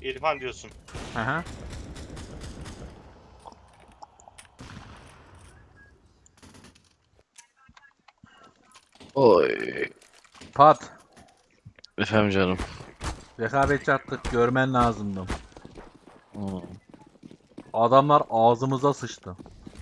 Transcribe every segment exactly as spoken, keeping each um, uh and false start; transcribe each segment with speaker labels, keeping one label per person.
Speaker 1: İrfan diyorsun.
Speaker 2: Aha.
Speaker 3: Oy.
Speaker 2: Pat.
Speaker 3: Efendim canım.
Speaker 2: Rekabetçi attık. Görmen lazımdı.
Speaker 3: Hmm.
Speaker 2: Adamlar ağzımıza sıçtı.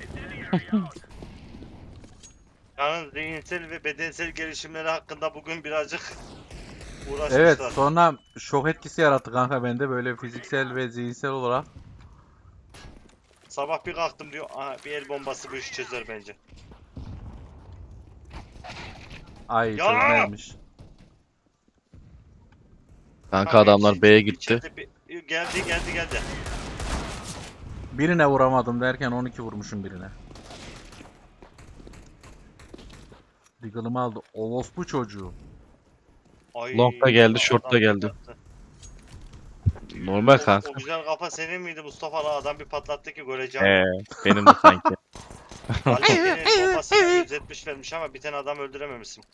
Speaker 1: Yalnız zihinsel ve bedensel gelişimleri hakkında bugün birazcık uğraşmışlar.
Speaker 2: Evet, sonra şok etkisi yarattı kanka bende böyle fiziksel ve zihinsel olarak.
Speaker 1: Sabah bir kalktım diyor. Aha, bir el bombası bu işi çözer bence.
Speaker 2: Ay
Speaker 1: Ya!
Speaker 2: çözmezmiş.
Speaker 3: Kanka adamlar
Speaker 1: içi-
Speaker 3: B'ye
Speaker 1: içi-
Speaker 3: gitti.
Speaker 1: içeride bir- geldi geldi geldi.
Speaker 2: Birine vuramadım derken on iki vurmuşum birine. Diggle'ımı aldı. Orospu çocuğu.
Speaker 1: Ay,
Speaker 3: Long da geldi,
Speaker 1: adam
Speaker 3: short da geldi.
Speaker 1: patlattı.
Speaker 3: Normal
Speaker 1: O,
Speaker 3: kanka.
Speaker 1: o güzel kafa senin miydi Mustafa? La adam bir patlattı ki göreceğim.
Speaker 3: Ee, benim de sanki.
Speaker 1: Valentine'in bombasına yüz yetmiş vermiş ama bir tane adam öldürememişsin.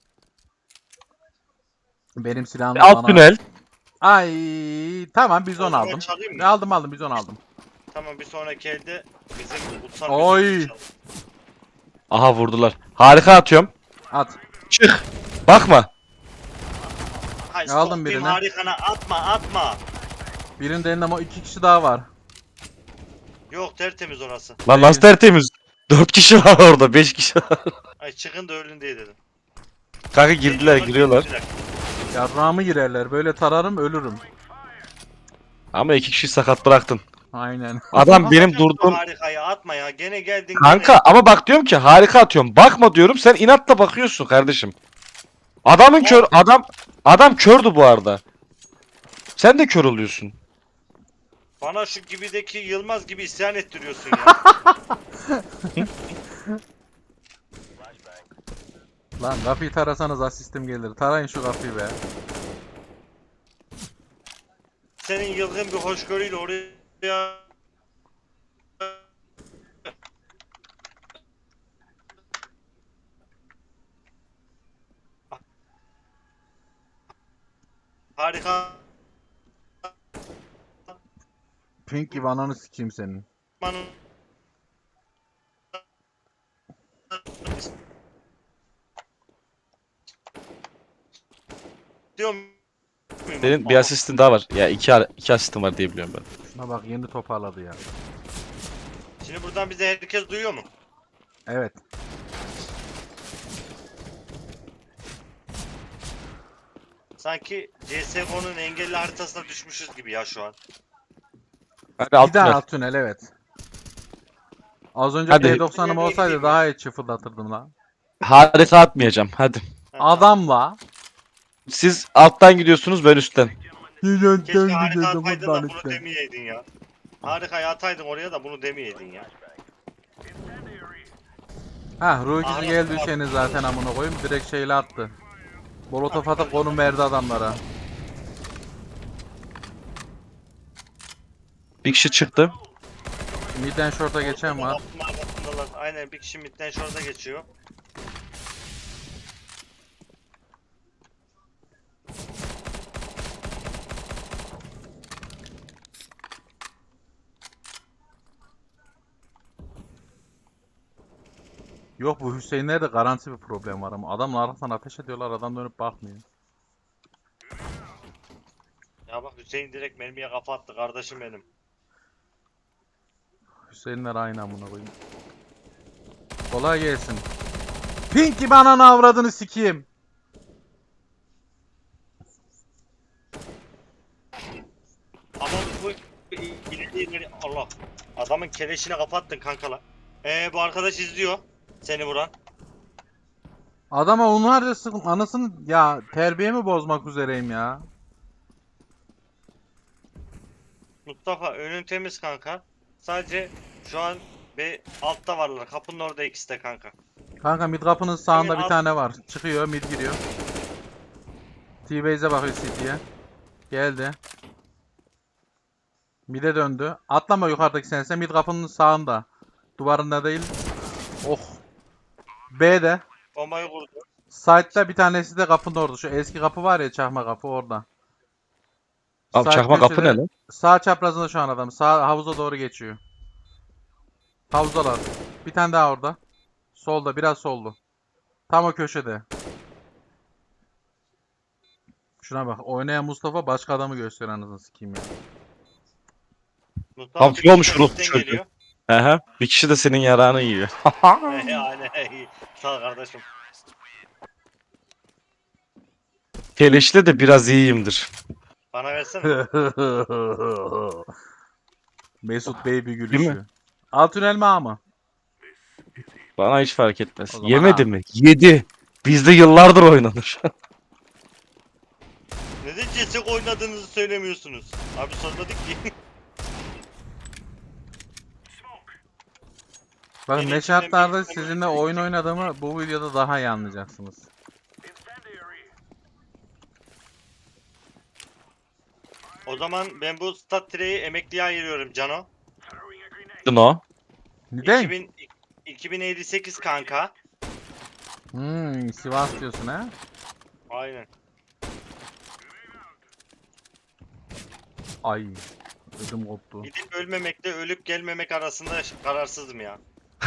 Speaker 2: Benim silahım
Speaker 3: Alt
Speaker 2: bana...
Speaker 3: tünel.
Speaker 2: Ay tamam bizon
Speaker 1: O zaman
Speaker 2: aldım.
Speaker 1: çalayım mı?
Speaker 2: Aldım aldım bizon aldım.
Speaker 1: Tamam bir sonraki elde bizim kutsal
Speaker 2: Oy.
Speaker 1: yüzüğümüzü çalalım.
Speaker 3: Aha vurdular. Harika atıyorum.
Speaker 2: At.
Speaker 3: Çık. Bakma.
Speaker 1: Hay
Speaker 2: Aldım
Speaker 1: sokayım
Speaker 2: birini.
Speaker 1: harikana atma atma.
Speaker 2: Birinde elinde ama iki kişi daha var.
Speaker 1: Yok tertemiz orası.
Speaker 3: Lan nasıl tertemiz? Dört kişi var orada. Beş kişi var.
Speaker 1: Ay çıkın da ölün diye dedim.
Speaker 3: Kanka girdiler giriyorlar.
Speaker 2: Yarrağımı girerler. Böyle tararım ölürüm.
Speaker 3: Ama iki kişi sakat bıraktın.
Speaker 2: Aynen.
Speaker 3: Adam benim
Speaker 1: Atacağım şu
Speaker 3: durduğum...
Speaker 1: harikayı atma ya. Gene geldin
Speaker 3: Kanka
Speaker 1: gene.
Speaker 3: ama bak diyorum ki harika atıyorum. Bakma diyorum sen inatla bakıyorsun kardeşim. Adamın kör... Adam... Adam kördü bu arada. Sen de kör oluyorsun.
Speaker 1: Bana şu gibideki Yılmaz gibi isyan ettiriyorsun ya.
Speaker 2: Lan kapıyı tarasanız asistim gelir. Tarayın şu kapıyı be.
Speaker 1: Senin yılgın bir hoşgörüyle oraya harika
Speaker 2: Pink gibi ananı sikeyim senin.
Speaker 1: diyorum.
Speaker 3: Senin bir asistin daha var. Ya iki, ar- iki asistin var diye biliyorum ben.
Speaker 2: Şuna bak yeni toparladı ya.
Speaker 1: Şimdi buradan bize herkes duyuyor mu?
Speaker 2: Evet.
Speaker 1: Sanki C S G O'nun engelli haritasına düşmüşüz gibi ya şu an.
Speaker 3: Hadi alt
Speaker 2: Bir daha
Speaker 3: tünel.
Speaker 2: alt tünel evet. Az önce
Speaker 3: Hadi.
Speaker 2: P doksanım olsaydı daha iyi çıfırdatırdım lan.
Speaker 3: Harika atmayacağım hadi.
Speaker 1: Ha,
Speaker 2: Adamla.
Speaker 3: Siz alttan gidiyorsunuz ben üstten.
Speaker 1: keşke harika ataydın da bunu demeyeydin ya. Harikayı ataydın oraya da bunu demeyeydin ya.
Speaker 2: Hah ruh ikisi
Speaker 1: Ahmet
Speaker 2: geldi
Speaker 1: var.
Speaker 2: düşeni zaten amına koyayım direkt şeyle attı. Molotof atıp konum verdi adamlara.
Speaker 3: Bir kişi çıktı.
Speaker 2: Midden short'a geçen var.
Speaker 1: Kapının arkasındalar. Aynen bir kişi midden şurada geçiyor.
Speaker 2: Yok bu Hüseyin'lerde garanti bir problem var ama adamla arkadan ateş ediyorlar adam dönüp bakmıyor.
Speaker 1: Ya bak Hüseyin direkt mermiye kafa attı kardeşim benim.
Speaker 2: Hüseyinler aynı amına koyayım. Kolay gelsin. Pink gibi ananı avradını sikeyim.
Speaker 1: Ama bu ileri ileri Allah. Adamın keleşine kafa attın kankala. Ee bu arkadaş izliyor seni vuran.
Speaker 2: Adama onlarca sıkım anasını ya terbiyemi bozmak üzereyim ya.
Speaker 1: Mustafa önün temiz kanka. Sadece şu an bir altta varlar. Kapının orada ikisi de kanka.
Speaker 2: Kanka mid kapının sağında
Speaker 1: Hemen
Speaker 2: bir
Speaker 1: alt-
Speaker 2: tane var. Çıkıyor mid giriyor. T-Base'e bakıyor C T'ye. Geldi. Mid'e döndü. Atlama yukarıdaki sense mid kapının sağında. Duvarında değil. Oh. B'de.
Speaker 1: Bombayı vurdu.
Speaker 2: Side'da bir tanesi de kapının orada. Şu eski kapı var ya çakma kapı orada.
Speaker 3: Abi
Speaker 2: Sağ
Speaker 3: çakma kapı
Speaker 2: köşede-
Speaker 3: ne lan?
Speaker 2: Sağ çaprazında şu an adam. Sağ havuza doğru geçiyor. Havuzdalar. Bir tane daha orada. Solda, biraz soldu. Tam o köşede. Şuna bak. Oynayan Mustafa başka adamı gösteriyor anasını sikeyim ya.
Speaker 1: Mustafa
Speaker 3: Tam
Speaker 1: bir
Speaker 3: şey
Speaker 1: kişi
Speaker 3: olmuş
Speaker 1: de
Speaker 3: Rus
Speaker 1: üstten
Speaker 3: çocuğu.
Speaker 1: geliyor.
Speaker 3: Aha. Bir kişi de senin yarağını yiyor.
Speaker 1: He, aynen iyi. Sağ ol kardeşim.
Speaker 3: Keleşte de biraz iyiyimdir.
Speaker 1: Bana versene.
Speaker 2: Mesut Bey bir
Speaker 3: Değil mi?
Speaker 2: gülüşü. Alt tünel mi A mı?
Speaker 3: Bana hiç fark etmez.
Speaker 2: O zaman
Speaker 3: Yemedi
Speaker 2: ha.
Speaker 3: mi? Yedi. Bizde yıllardır oynanır.
Speaker 1: Neden C S G O oynadığınızı söylemiyorsunuz? Abi sormadık ki.
Speaker 2: Bakın
Speaker 1: Benim
Speaker 2: ne
Speaker 1: içimden
Speaker 2: şartlarda
Speaker 1: bir-
Speaker 2: sizinle oyun oynadığımı bu videoda daha iyi anlayacaksınız.
Speaker 1: O zaman ben bu stat tireyi emekliye ayırıyorum Cano.
Speaker 3: No.
Speaker 2: Neden?
Speaker 1: iki bin, iki bin elli sekiz kanka.
Speaker 2: Hmm, Sivas diyorsun ha?
Speaker 1: Aynen.
Speaker 2: Ay. Ödüm koptu.
Speaker 1: Gidip ölmemekle ölüp gelmemek arasında kararsızım ya.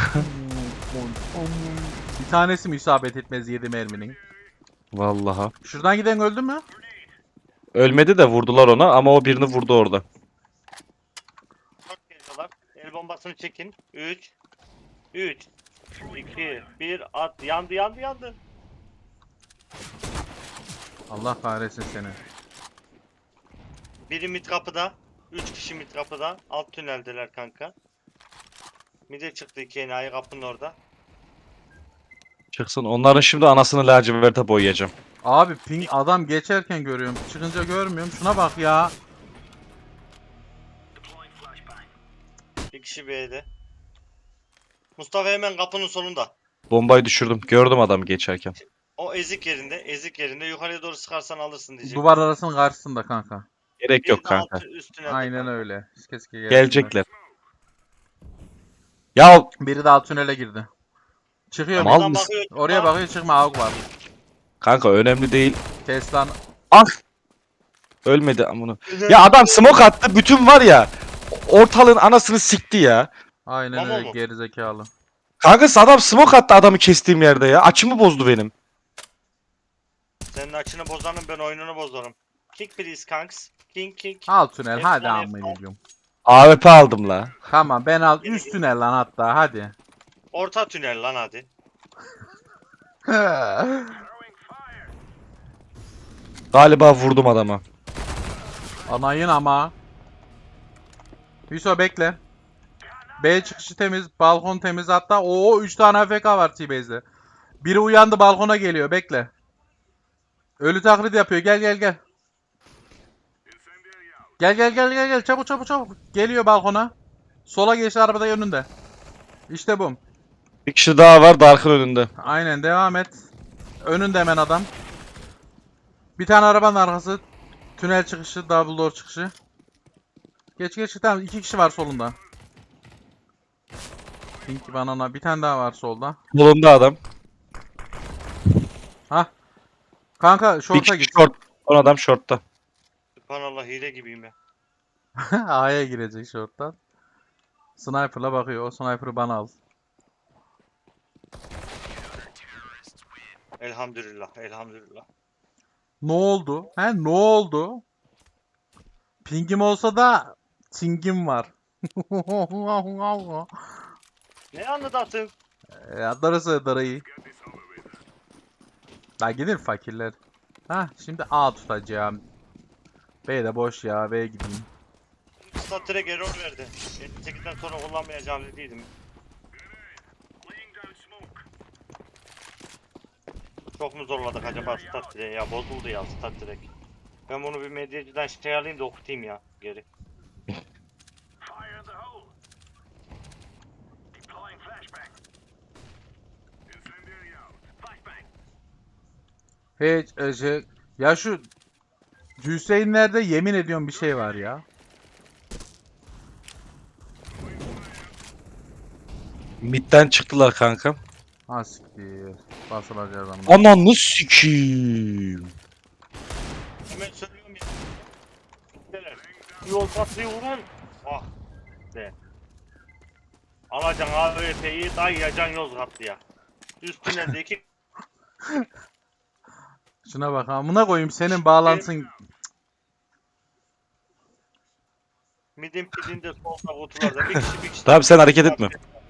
Speaker 2: Bir tanesi mi isabet etmez yedi merminin?
Speaker 3: Vallahi.
Speaker 2: Şuradan giden öldü mü?
Speaker 3: Ölmedi de vurdular ona ama o birini vurdu orada.
Speaker 1: Çok geliyorlar. El bombasını çekin. üç üç iki bir at. Yandı yandı yandı.
Speaker 2: Allah kahretsin seni.
Speaker 1: Biri mid kapıda. üç kişi mid kapıda. Alt tüneldeler kanka. Mid'e çıktı iki enayi kapının orada.
Speaker 3: Çıksın. Onların şimdi anasını laciverte boyayacağım.
Speaker 2: Abi ping adam geçerken görüyorum. Çıkınca görmüyorum. Şuna bak ya.
Speaker 1: Bir kişi B'de. Mustafa hemen kapının sonunda.
Speaker 3: Bombayı düşürdüm. Gördüm adamı geçerken.
Speaker 1: O ezik yerinde. Ezik yerinde. Yukarıya doğru sıkarsan alırsın diyecek.
Speaker 2: Duvar arasının karşısında kanka.
Speaker 1: Bir
Speaker 3: Gerek yok
Speaker 1: de
Speaker 3: kanka.
Speaker 1: altı üstüne de
Speaker 2: Aynen
Speaker 1: kanka.
Speaker 2: öyle. Keşke gelsinler.
Speaker 3: Gelecekler. Ya
Speaker 2: Biri de alt tünele girdi. Çıkıyor
Speaker 3: Mal
Speaker 2: mu?
Speaker 3: mısın?
Speaker 1: bakıyor,
Speaker 2: Oraya
Speaker 1: çıkma.
Speaker 2: bakıyor çıkma AUG var.
Speaker 3: kanka önemli değil.
Speaker 2: Kes lan.
Speaker 3: Ah! Ölmedi amına. Ya adam smoke attı. Bütün var ya. Ortalığın anasını sikti ya.
Speaker 2: Aynen
Speaker 1: Mamo
Speaker 2: öyle
Speaker 1: mu?
Speaker 2: gerizekalı.
Speaker 3: Kanka adam smoke attı adamı kestiğim yerde ya. Açımı bozdu benim.
Speaker 1: Senin açını bozanım ben oyununu bozarım. Kick please kanks. King kick.
Speaker 2: Alt tünel
Speaker 1: F
Speaker 2: hadi
Speaker 1: on,
Speaker 2: amma
Speaker 1: F on.
Speaker 2: ediyorum.
Speaker 3: A W P aldım la.
Speaker 2: Tamam ben al
Speaker 1: Geri
Speaker 2: üst
Speaker 1: gir.
Speaker 2: tünel lan hatta hadi.
Speaker 1: Orta tünel lan hadi.
Speaker 3: Galiba vurdum adama.
Speaker 2: Anayın ama. Hüso bekle. B çıkışı temiz, balkon temiz hatta. Oo üç tane A F K var T-Base'de. Biri uyandı balkona geliyor bekle. Ölü taklit yapıyor gel gel gel. Gel gel gel gel gel çabuk çabuk çabuk. Geliyor balkona. Sola geçti arabada önünde. İşte bu.
Speaker 3: Bir kişi daha var Dark'ın önünde.
Speaker 2: Aynen devam et. Önünde hemen adam. Bir tane arabanın arkası. Tünel çıkışı, double door çıkışı. Geç geç tamam iki kişi var solunda. Pinky banana bir tane daha var solda.
Speaker 3: Solunda adam.
Speaker 2: Hah. Kanka
Speaker 3: Bir
Speaker 2: şorta
Speaker 3: kişi
Speaker 2: git.
Speaker 3: short. Son adam shortta.
Speaker 1: Subhanallah hile gibiyim ya.
Speaker 2: A'ya girecek şorttan. Sniper'la bakıyor. O sniper'ı bana al.
Speaker 1: Elhamdülillah elhamdülillah.
Speaker 2: Ne oldu? He ne oldu? Pingim olsa da tingim var.
Speaker 1: Ne anladatın?
Speaker 2: Ya darısı darayı. La gidin fakirler. Ha şimdi A tutacağım. B de boş ya. B'ye gideyim.
Speaker 1: Stat direkt error verdi. elli sekizden sonra kullanmayacağım dediydim. Çok mu zorladık acaba stat direkt ya? Bozuldu ya stat direkt. Ben bunu bir medyacıdan şey alayım da okutayım ya geri.
Speaker 2: Hiç e, şey, ya şu Hüseyinlerde yemin ediyorum bir şey var ya.
Speaker 3: Mid'den çıktılar kanka.
Speaker 2: Ha siktir. Basılacağız ama.
Speaker 3: Ananı sikiyim.
Speaker 1: Hemen söylüyorum ya. Yol patlıyor vurun. Ah be. Alacaksın A W P'yi dayayacaksın Yozgatlı'ya. Üstüne de iki
Speaker 2: Şuna bak amına koyayım senin bağlantın.
Speaker 1: midin pidinde solda kutularda bir kişi bir kişi.
Speaker 3: Tamam sen hareket etme.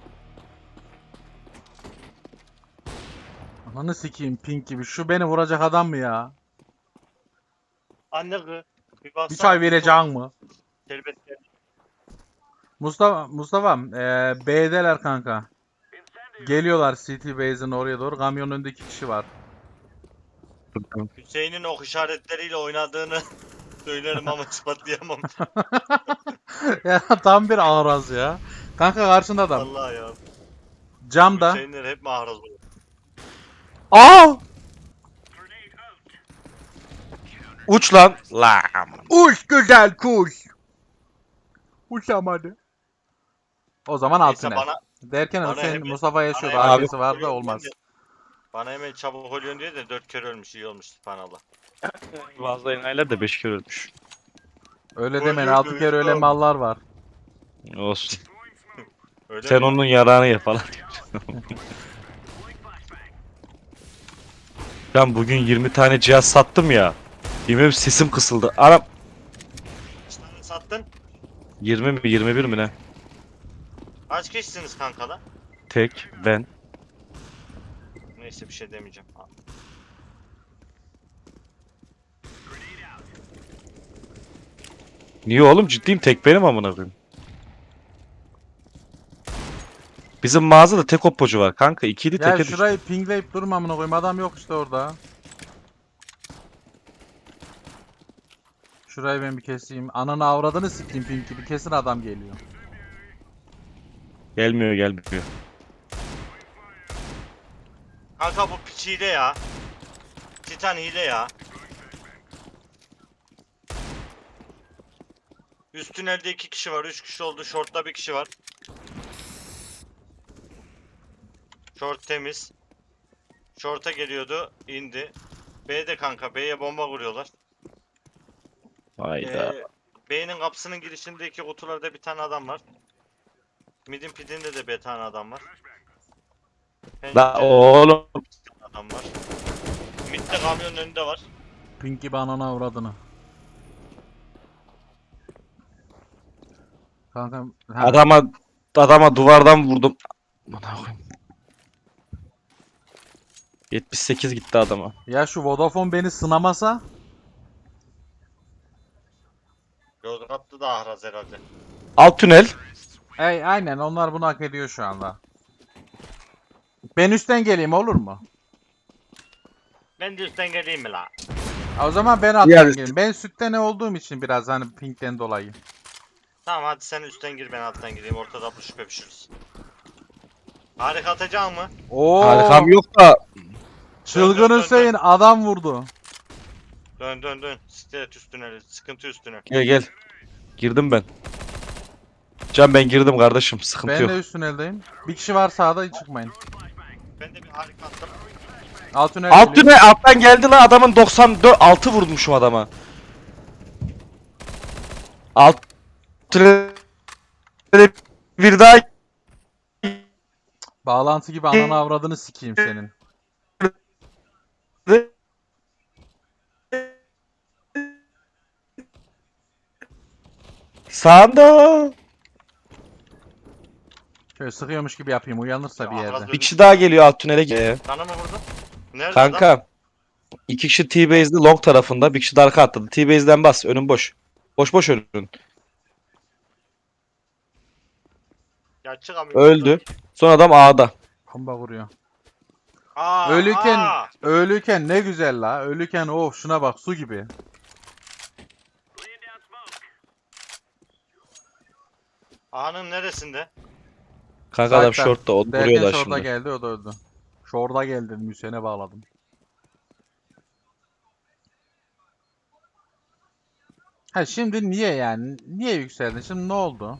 Speaker 2: Ananı sikeyim pink gibi. Şu beni vuracak adam mı ya?
Speaker 1: Anne kız. Bir
Speaker 2: Bir
Speaker 1: baksana.
Speaker 2: çay vereceksin mı?
Speaker 1: Şerbetler.
Speaker 2: Mustafa Mustafa eee B'deler kanka. Geliyorlar City Base'in oraya doğru. Kamyonun önünde iki kişi var.
Speaker 1: Hüseyin'in ok işaretleriyle oynadığını söylerim ama ispatlayamam.
Speaker 2: Ya tam bir ağraz ya. Kanka karşında adam.
Speaker 1: Vallahi ya.
Speaker 2: Camda.
Speaker 1: Hüseyinler hep mahraz olur.
Speaker 3: Aa! Uç lan. Lam.
Speaker 2: Uç güzel kuş. Uçamadı. O zaman alt
Speaker 1: Neyse
Speaker 2: tünel.
Speaker 1: bana
Speaker 2: Derken
Speaker 1: bana
Speaker 2: Hüseyin
Speaker 1: hemen-
Speaker 2: Mustafa yaşıyor.
Speaker 1: bana
Speaker 3: hemen-
Speaker 2: A K'si var da olmaz.
Speaker 1: bana hemen çabuk oluyorsun diye de dört kere ölmüş iyi olmuş subhanallah.
Speaker 3: Bazı enayiler de beş kere ölmüş.
Speaker 2: Öyle
Speaker 1: Öyle
Speaker 2: demeyin. Altı kere öyle
Speaker 1: değil.
Speaker 2: mallar var.
Speaker 3: Olsun.
Speaker 1: Öyle
Speaker 3: Sen
Speaker 1: mi?
Speaker 3: onun yarağını ye falan. Ben bugün yirmi tane cihaz sattım ya. Yemin sesim kısıldı. Anam.
Speaker 1: Kaç tane sattın?
Speaker 3: yirmi mi yirmi bir mi ne?
Speaker 1: Kaç kişisiniz kankala?
Speaker 3: Tek ben.
Speaker 1: Neyse bir şey demeyeceğim.
Speaker 3: Niye oğlum ciddiyim tek benim amına koyayım. Bizim mağazada tek oppocu var kanka. İkiydi
Speaker 2: Ya
Speaker 3: teke düştü.
Speaker 2: şurayı pingleyip durma amına koyayım. Adam yok işte orada. Şurayı ben bir keseyim. Ananı avradını sikeyim pink gibi. Kesin adam geliyor.
Speaker 3: Gelmiyor gelmiyor.
Speaker 1: Kanka bu piç hile ya. Titan hile ya. Üst tünelde iki kişi var, üç kişi oldu. Short'ta bir kişi var. Short temiz. Short'a geliyordu, indi. B'de kanka, B'ye bomba vuruyorlar.
Speaker 3: Hayda.
Speaker 1: Ee, B'nin kapısının girişindeki kutularda bir tane adam var. Mid'in pidinde de bir tane adam var.
Speaker 3: La
Speaker 1: Pencerede
Speaker 3: oğlum.
Speaker 1: bir adam var. Mid'de kamyonun önünde var.
Speaker 2: Pink gibi ananı avradını. Kanka. ha.
Speaker 3: Adama adama duvardan vurdum. Bana koyayım. yetmiş sekiz gitti adama.
Speaker 2: Ya şu Vodafone beni sınamasa.
Speaker 1: Yozgat'ta da ahraz herhalde.
Speaker 3: Alt tünel.
Speaker 2: Ey aynen onlar bunu hak ediyor şu anda. Ben üstten geleyim olur mu?
Speaker 1: Ben de üstten geleyim mi la?
Speaker 2: O zaman ben alttan
Speaker 3: Yani-
Speaker 2: geleyim. Ben sütte ne olduğum için biraz hani pinkten dolayı.
Speaker 1: Tamam hadi sen üstten gir ben alttan gireyim. Ortada bu şüphe pişiririz. Harika atacağım mı?
Speaker 2: Oo.
Speaker 3: Harikam yok da.
Speaker 2: Çılgın
Speaker 1: Dön, dön, dön,
Speaker 2: Hüseyin adam vurdu.
Speaker 1: Dön dön dön. Stilet üstüne, sıkıntı üstüne.
Speaker 3: Gel gel. Girdim ben. Can ben girdim kardeşim. Sıkıntı
Speaker 2: Ben
Speaker 3: yok.
Speaker 2: de üst tüneldeyim. Bir kişi var sağda hiç çıkmayın.
Speaker 1: Ben de bir harika attım.
Speaker 2: Alt tünel
Speaker 3: Alt
Speaker 2: geliyor.
Speaker 3: tünel alttan geldi la adamın doksan dört altı vurmuşum adama. Alt tünel bir daha
Speaker 2: Bağlantı gibi ananı avradını sikeyim senin.
Speaker 3: sağında.
Speaker 2: Şöyle sıkıyormuş gibi yapayım uyanırsa bir yerde.
Speaker 3: Bir kişi daha geliyor alt tünele. Ee,
Speaker 1: Sana mı vurdu? Nerede adam?
Speaker 3: Kanka. İki kişi T-base'li long tarafında. Bir kişi de arka atladı. T-base'den bas. Önün boş. Boş boş önün.
Speaker 1: Ya çıkamıyorum.
Speaker 3: Öldü. Son adam A'da.
Speaker 2: Bomba vuruyor.
Speaker 1: Aa,
Speaker 2: Ölüken,
Speaker 1: aa.
Speaker 2: ölüken ne güzel la. Ölüken of şuna bak su gibi.
Speaker 1: A'nın neresinde?
Speaker 3: Kanka adam
Speaker 2: Zaten
Speaker 3: shortta. O
Speaker 2: Derken
Speaker 3: duruyorlar
Speaker 2: şorda
Speaker 3: şimdi.
Speaker 2: geldi o da öldü. Şorda geldi dedim Hüseyin'e bağladım. Ha şimdi niye yani? Niye yükseldin? Şimdi ne oldu?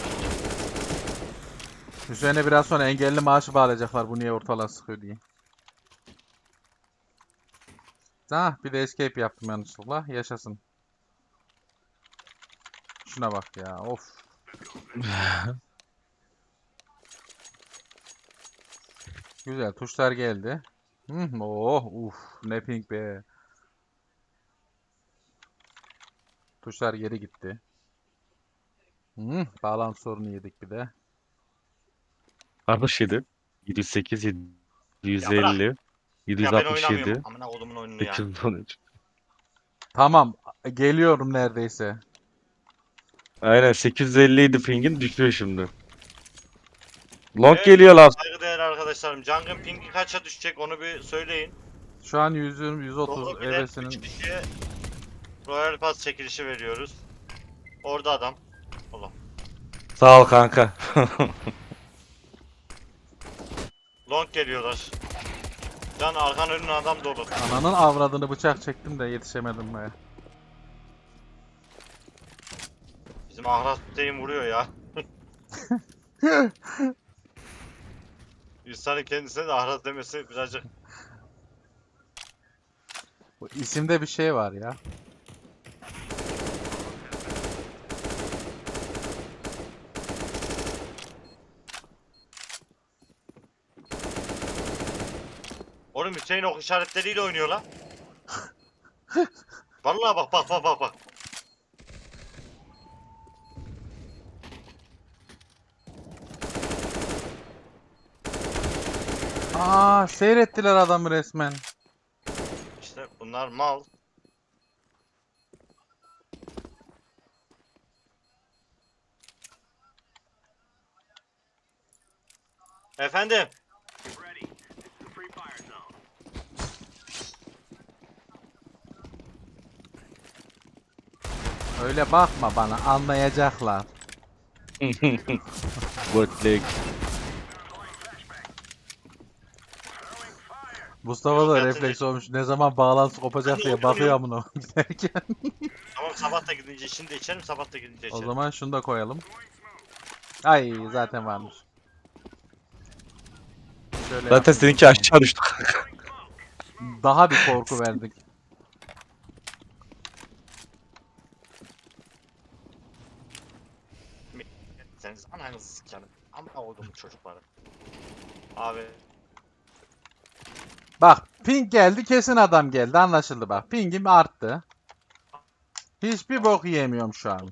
Speaker 2: Hüseyin'e biraz sonra engelli maaşı bağlayacaklar bu niye ortalığa sıkıyor diye. Ah, bir de escape yaptım yanlışlıkla. Yaşasın. Şuna bak ya. Of. Güzel. Tuşlar geldi. Hı, oh, uf. Ne ping be. Tuşlar geri gitti. Hı, bağlantı sorunu yedik bir de.
Speaker 3: altmış yedi, yedi yüz sekiz,
Speaker 1: Ya bırak.
Speaker 3: yedi yüz elli,
Speaker 1: Ya ben oynamıyorum.
Speaker 3: yedi yüz altmış yedi,
Speaker 1: Amına kodumun oyununu ya.
Speaker 3: sekiz yüz on üç.
Speaker 2: Tamam. Geliyorum neredeyse.
Speaker 3: Aynen sekiz yüz elli idi pingin düşüyor şimdi. Long
Speaker 1: Evet,
Speaker 3: geliyor lan.
Speaker 1: saygıdeğer arkadaşlarım. Jungle'ın pingi kaça düşecek onu bir söyleyin.
Speaker 2: Şu an yüz yirmi, yüz otuz
Speaker 1: Doğru bilen üç
Speaker 2: evresinin.
Speaker 1: kişiye Royal Pass çekilişi veriyoruz. Orada adam. Allah.
Speaker 3: Sağ ol kanka.
Speaker 1: Long geliyorlar. Can arkan önün adam dolu.
Speaker 2: Ananın avradını bıçak çektim de yetişemedim be.
Speaker 1: Bizim Ahraz Hüseyin vuruyor ya. İnsanın kendisine de Ahraz demesi birazcık.
Speaker 2: Bu isimde bir şey var ya.
Speaker 1: Oğlum Hüseyin ok işaretleriyle oynuyor lan. Vallahi bak bak bak bak bak.
Speaker 2: Aa, seyrettiler adamı resmen.
Speaker 1: İşte bunlar mal. Efendim.
Speaker 2: Öyle bakma bana, anlayacaklar.
Speaker 3: Bootleg.
Speaker 2: Mustafa
Speaker 1: Yok
Speaker 2: da
Speaker 1: yatınca.
Speaker 2: refleks olmuş. Ne zaman bağlantı kopacak
Speaker 1: Ben de
Speaker 2: diye
Speaker 1: oynuyorum,
Speaker 2: bakıyor
Speaker 1: oynuyorum.
Speaker 2: amına giderken.
Speaker 1: Tamam sabah da gidince şimdi içerim sabah da gidince
Speaker 2: O
Speaker 1: içerim.
Speaker 2: zaman şunu da koyalım. Ay, zaten varmış. Şöyle
Speaker 3: Zaten
Speaker 2: yapayım o
Speaker 3: seninki
Speaker 2: zaman.
Speaker 3: aşağı düştü.
Speaker 2: Daha bir korku verdik.
Speaker 1: Seniz ananızı sikerim. Ama oğlum çocukları. Abi
Speaker 2: Bak, ping geldi, kesin adam geldi, anlaşıldı bak. Pingim arttı. Hiçbir bok yiyemiyorum şu an.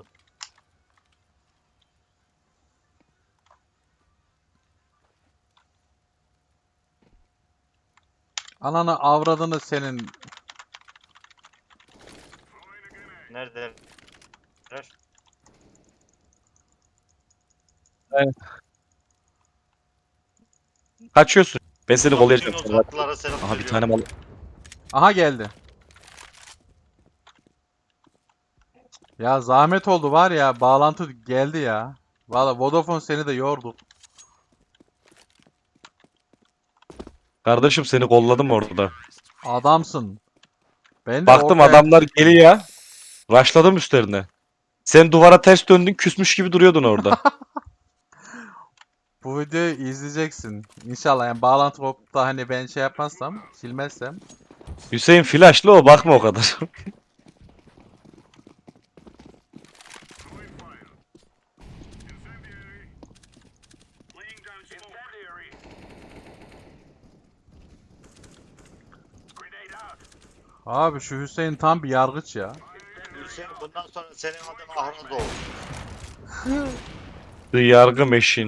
Speaker 2: Ananı avradını senin.
Speaker 1: nerede?
Speaker 3: Kaçıyorsun. Ben seni
Speaker 1: Buradan bütün
Speaker 3: kollayacağım. Sen rahat ol.
Speaker 1: uzaklılara selam
Speaker 3: Aha bir
Speaker 1: söylüyorum.
Speaker 3: tane mal.
Speaker 2: Aha geldi. Ya zahmet oldu var ya, bağlantı geldi ya. Valla Vodafone seni de yordu.
Speaker 3: Kardeşim seni kolladım orada.
Speaker 2: Adamsın. Ben de
Speaker 3: Baktım
Speaker 2: ortaya
Speaker 3: adamlar geliyor. Rushladım üstlerine. Sen duvara ters döndün küsmüş gibi duruyordun orada.
Speaker 2: bu videoyu izleyeceksin. İnşallah yani bağlantı kopup da hani ben şey yapmazsam, silmezsem.
Speaker 3: Hüseyin flashlı o bakma o kadar.
Speaker 2: Abi şu Hüseyin tam bir yargıç ya.
Speaker 1: Hüseyin bundan sonra senin adın Ahraz olur.
Speaker 3: The yargı meşin.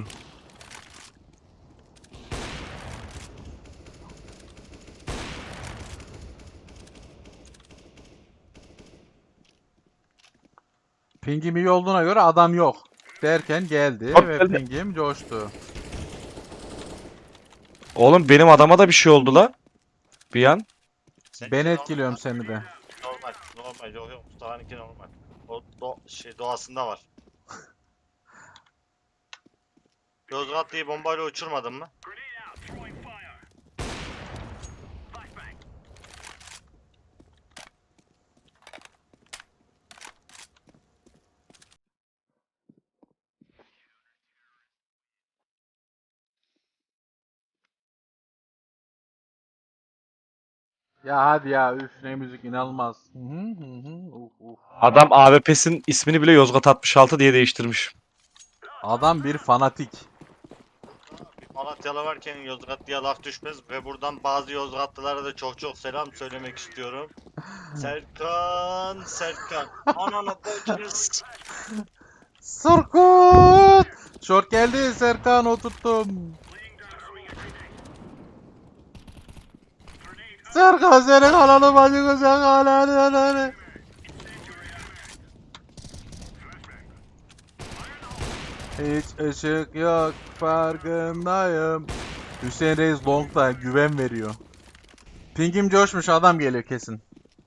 Speaker 2: Pingim iyi olduğuna göre adam yok. Derken geldi
Speaker 3: Hop
Speaker 2: ve
Speaker 3: geldi.
Speaker 2: pingim coştu.
Speaker 3: Oğlum benim adama da bir şey oldu la. Bir an.
Speaker 1: Senin
Speaker 2: Ben
Speaker 1: için normal
Speaker 2: etkiliyorum
Speaker 1: lan.
Speaker 2: seni de.
Speaker 1: Normal. Normal. Yok yok. Mustafa'nınki normal. O do şey doğasında var. Yozgatlı'yı bombayla uçurmadın mı?
Speaker 2: Ya hadi ya üf ne müzik inanılmaz. Hı hı hı hı. Uf, uf.
Speaker 3: Adam A W P'sin ismini bile Yozgat altmış altı diye değiştirmiş.
Speaker 2: Adam bir fanatik.
Speaker 1: Bir Malatyalı varken Yozgatlı'ya laf düşmez ve buradan bazı Yozgatlılara da çok çok selam söylemek istiyorum. Serkan, Serkan. Ananı bacınız.
Speaker 2: Surkut! Short geldi Serkan oturttum. Serkan senin ananı bacını sen ananı ananı. Hiç ışık yok farkındayım. Hüseyin Reis Long'da güven veriyor. Pingim coşmuş adam geliyor kesin.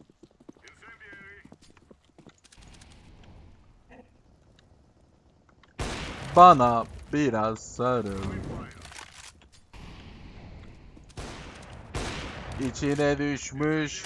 Speaker 2: Bana biraz sarıl. İçine düşmüş.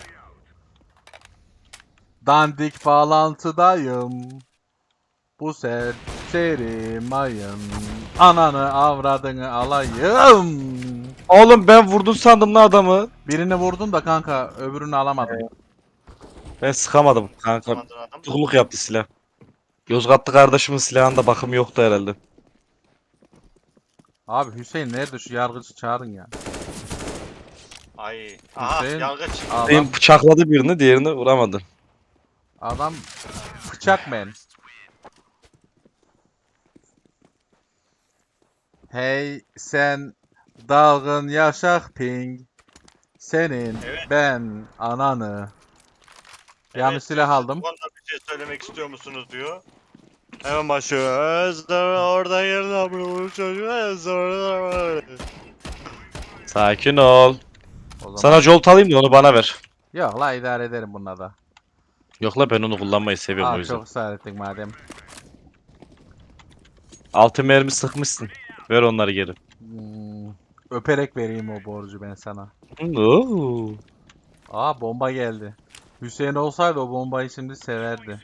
Speaker 2: Dandik bağlantıdayım. Bu serseri mayın. Ananı avradını alayım.
Speaker 3: Oğlum ben vurdun sandım lan adamı.
Speaker 2: Birini vurdun da kanka öbürünü alamadım.
Speaker 3: Ben sıkamadım kanka.
Speaker 1: Amadın adam.
Speaker 3: Tutukluk yaptı silah. Yozgatlı kardeşimin silahında bakım yoktu herhalde.
Speaker 2: Abi Hüseyin nerede şu yargıcı çağırın ya.
Speaker 1: Ay. Aha
Speaker 2: Hüseyin-
Speaker 1: yargıç.
Speaker 2: Adam,
Speaker 3: Benim bıçakladı birini, diğerini vuramadı.
Speaker 2: adam bıçak men. Hey sen dalgın yaşak ping. Senin
Speaker 1: Evet.
Speaker 2: ben ananı.
Speaker 1: Evet,
Speaker 2: Yanlış silah aldım.
Speaker 1: Bu konuda bir şey söylemek istiyor musunuz diyor. Hemen başlıyor. Özlem orada yerine vurmuş çocuğu. Özlem.
Speaker 3: Sakin ol.
Speaker 2: O zaman
Speaker 3: Sana jolt alayım da onu bana ver.
Speaker 2: yok la idare ederim bununla da.
Speaker 3: Yok la ben onu kullanmayı seviyorum o
Speaker 2: Aa
Speaker 3: yüzden.
Speaker 2: çok ısrar ettin madem.
Speaker 3: Altı mermi sıkmışsın. Ver onları geri.
Speaker 2: Hmm, öperek vereyim o borcu ben sana.
Speaker 3: Oo.
Speaker 2: Aa bomba geldi. Hüseyin olsaydı o bombayı şimdi severdi.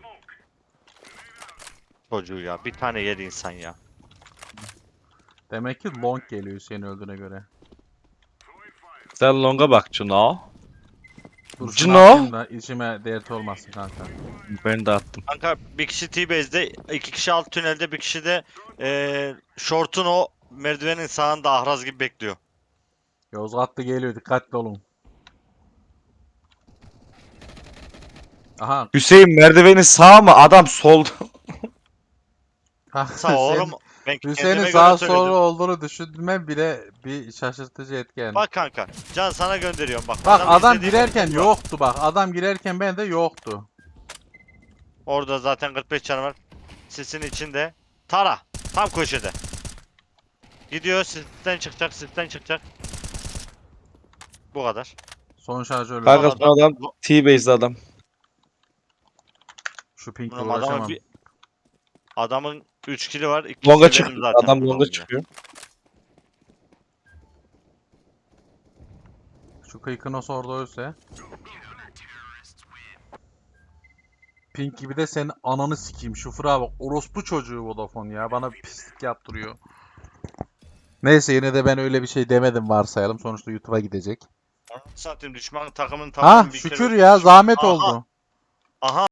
Speaker 1: Çocuğu ya bir tane yedi insan ya.
Speaker 2: Demek ki long geliyor Hüseyin öldüğüne göre.
Speaker 3: Sen longa bak Cino.
Speaker 2: Dur şunu
Speaker 3: Cino.
Speaker 2: atayım da içime dert olmasın kanka.
Speaker 3: Ben de attım.
Speaker 1: Kanka bir kişi T-Base'de, iki kişi alt tünelde, bir kişi de eee short'un o merdivenin sağında ahraz gibi bekliyor.
Speaker 2: Yozgatlı geliyor dikkatli olun. Aha.
Speaker 3: Hüseyin merdivenin sağ mı? Adam solda.
Speaker 2: kanka
Speaker 1: Sağ oğlum ben
Speaker 2: Hüseyin'in
Speaker 1: kendime
Speaker 2: sağ
Speaker 1: göre
Speaker 2: sol
Speaker 1: söyledim.
Speaker 2: olduğunu düşünme bile bir şaşırtıcı etken.
Speaker 1: Bak kanka Can sana gönderiyorum bak.
Speaker 2: Bak adam
Speaker 1: izlediği
Speaker 2: girerken
Speaker 1: video var.
Speaker 2: yoktu bak. Adam girerken ben de yoktu.
Speaker 1: Orada zaten kırk beş canı var. Sisin içinde. Tara. Tam köşede. Gidiyor sisten çıkacak sisten çıkacak. Bu kadar.
Speaker 2: Son şarjörle.
Speaker 3: Kanka
Speaker 1: Adam-
Speaker 3: son adam T-base'de adam.
Speaker 2: Şu pinkle
Speaker 1: Oğlum adamın
Speaker 2: uğraşamam.
Speaker 1: bir... Adamın üç kili var. iki
Speaker 3: Longa
Speaker 1: kişi
Speaker 3: çık.
Speaker 1: benim zaten.
Speaker 3: Adam longa
Speaker 1: kullanımda.
Speaker 3: çıkıyor.
Speaker 2: Şu kıykınos orada ölse. Pink gibi de senin ananı sikeyim. Şu fıra bak. Orospu çocuğu Vodafone ya. Bana bir pislik yaptırıyor. Neyse yine de ben öyle bir şey demedim varsayalım. Sonuçta YouTube'a gidecek.
Speaker 1: Satayım düşman takımın
Speaker 2: Ha
Speaker 1: tamamını bir kere
Speaker 2: şükür ya zahmet
Speaker 1: Aha.
Speaker 2: oldu.
Speaker 1: Aha